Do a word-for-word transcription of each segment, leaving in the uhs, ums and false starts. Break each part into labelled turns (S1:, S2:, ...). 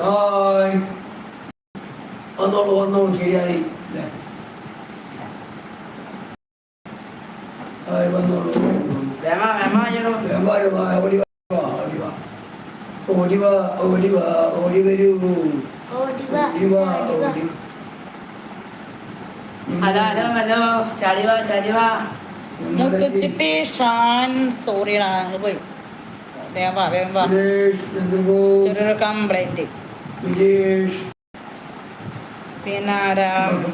S1: hi വന്നോളൂ വന്നോളൂ ശരിയായി അല്ലേ ഹായ് വന്നോളൂ ഓടി വാ ഓടി വാ ഓടി വാ ഓടി വാ ഓടി വരൂ ഓടി വാ ഓടി
S2: ഹലോ ഹലോ ഹലോ ചാടി വാ ചാടി വാ
S3: മുത്തുച്ചിപ്പി ഷാൻ സോറിയടാ നിങ്ങൾ പോയി വേഗം വാ വേഗം വാ ചെറിയൊരു കംപ്ലൈന്റ് പിന്നെ ആരാ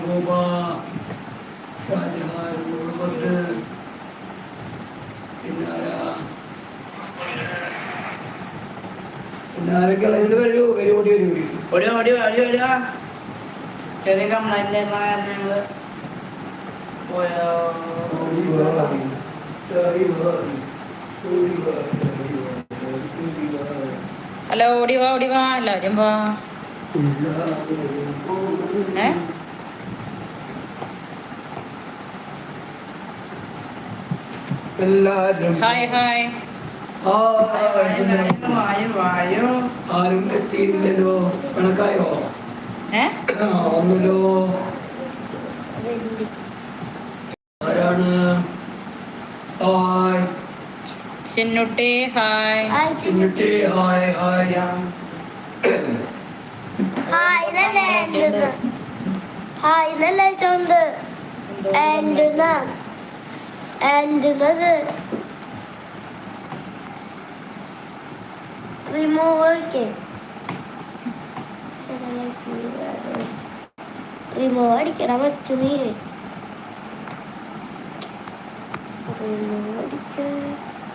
S2: ചെറിയ കംപ്ലൈന്റ് ഞങ്ങള് പോയോ
S3: ഹലോ ഓടി വാ ഓടി വാ എല്ലാവരും വാ ഏ
S1: എല്ലാരും
S3: ഹായ് ഹായ്
S1: ആരും എത്തിയില്ലല്ലോ കണക്കായോ
S3: ഏ
S1: ഒന്നല്ലോ ആരാണ് hi
S3: Chinnutti hi
S1: Chinnutti hi hi
S4: hi ഇതല്ലേ എന്തെന്ന് ഹായ് ഇതല്ലേ ചോണ്ട് എന്തെന്ന എന്തെന്നത് റിമൂവ് ഒക്കെ റിമൂവ് അടിക്കണം വെച്ചു നീ റിമൂവ് അടിക്കണം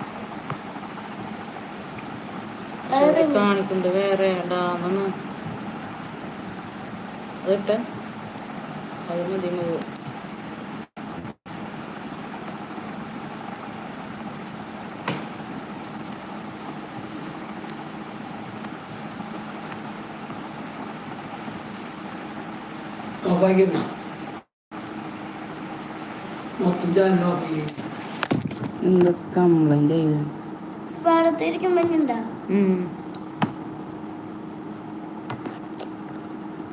S3: കാണിക്കുന്നത് വേറെ ഇടാന്ന് അതിട്ട് അത് മതി മതി
S2: എന്ത് കംപ്ലൈന്റ് ചെയ്ത്
S4: ഭാഗത്തിരിക്കുമ്പോഴുണ്ടോ